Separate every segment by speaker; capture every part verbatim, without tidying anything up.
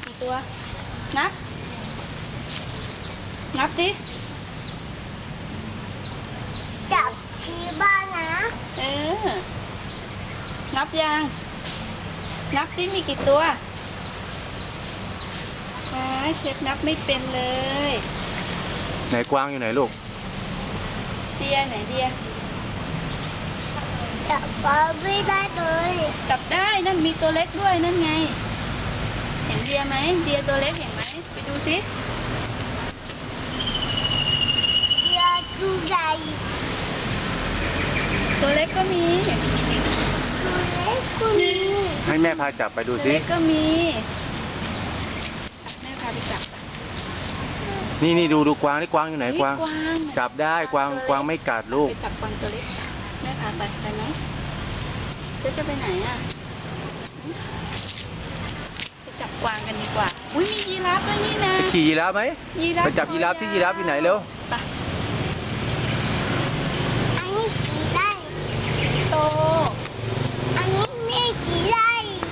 Speaker 1: กี่ตัวนับนับสิ
Speaker 2: จับที่บ้านนะ
Speaker 1: เออนับยังนับสิมีกี่ตัวว้าเชฟนับไม่เป็นเลย
Speaker 3: ไหนกวางอยู่ไหนลูก
Speaker 1: เดียไหนเดีย
Speaker 2: จับปลาไม่ได้เลย
Speaker 1: จับได้นั่นมีตัวเล็กด้วยนั่นไงเห็นเดียไหมเดียตัวเล็กเห็นไหมไปดูสิ
Speaker 2: เดียตัวใหญ่
Speaker 1: ตัวเล็กก็มี
Speaker 2: ตัวเล็กก็มี
Speaker 3: ให้แม่พาจับไปดูสิ
Speaker 1: ตัวเล็กก็มีแม่พาไปจับ
Speaker 3: นี่นี่ดูดูกวางนี่กวางอยู่ไหนกวางจับได้กวางกวางไม่กัดลูก
Speaker 1: ไปจับกวางตัวเล็กแม่พาไปไปไหมเจ๊จะไปไหนอ่ะไปจับกวางกันดีกว่าอุ้ยมียีราฟด้วยนี่นะ
Speaker 3: ไปขี่ยีราฟไหม
Speaker 1: ยีราฟ
Speaker 3: ไปจับยีราฟที่ยีราฟอยู่ไหนเร็ว
Speaker 1: ไป
Speaker 2: อันนี้ขี่ได้
Speaker 1: โต
Speaker 2: อันนี้ไม่ขี่ได้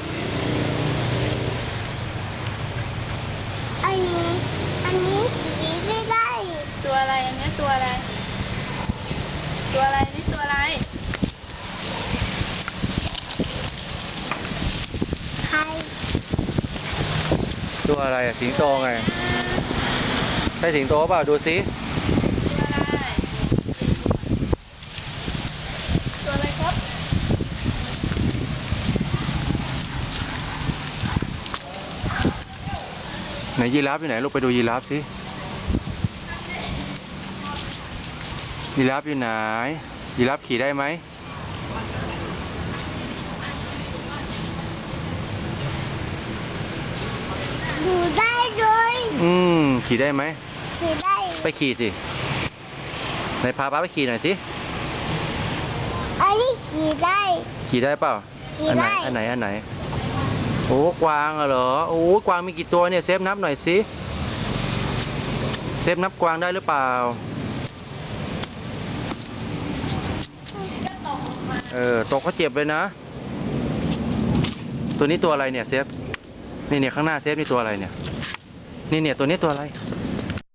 Speaker 2: อันนี้อันนี้ขี่ไม่ได้
Speaker 1: ตัวอะไรอันนี้ตัวอะไรตัวอะไรนี่ตัวอะไร
Speaker 2: ใคร
Speaker 3: ตัวอะไรอะสิงโตไงใช่สิงโตเปล่าดูสิ
Speaker 1: ตัวอะไรครับ
Speaker 3: ไหนยีราฟอยู่ไหนลูกไปดูยีราฟสิยีราฟอยู่ไหนยีราฟขี่ได้ไหม
Speaker 2: ดูได้เลย
Speaker 3: อืมขี่ได้ไหม
Speaker 2: ขี่ได้
Speaker 3: ไปขี่สิไหนพาป้าไปขี่หน่อยสิ
Speaker 2: อันนี้ขี่ได้
Speaker 3: ขี่ได้เปล่าอันไหนอันไหนอันไหนโอ้กวางเหรอโอ้กวางมีกี่ตัวเนี่ยเซฟนับหน่อยสิเซฟนับกวางได้หรือเปล่าเออตกก็เจ็บเลยนะตัวนี้ตัวอะไรเนี่ยเซฟนี่เนี่ยข้างหน้าเซฟนี่ตัวอะไรเนี่ยนี่เนี่ยตัวนี้ตัวอะไร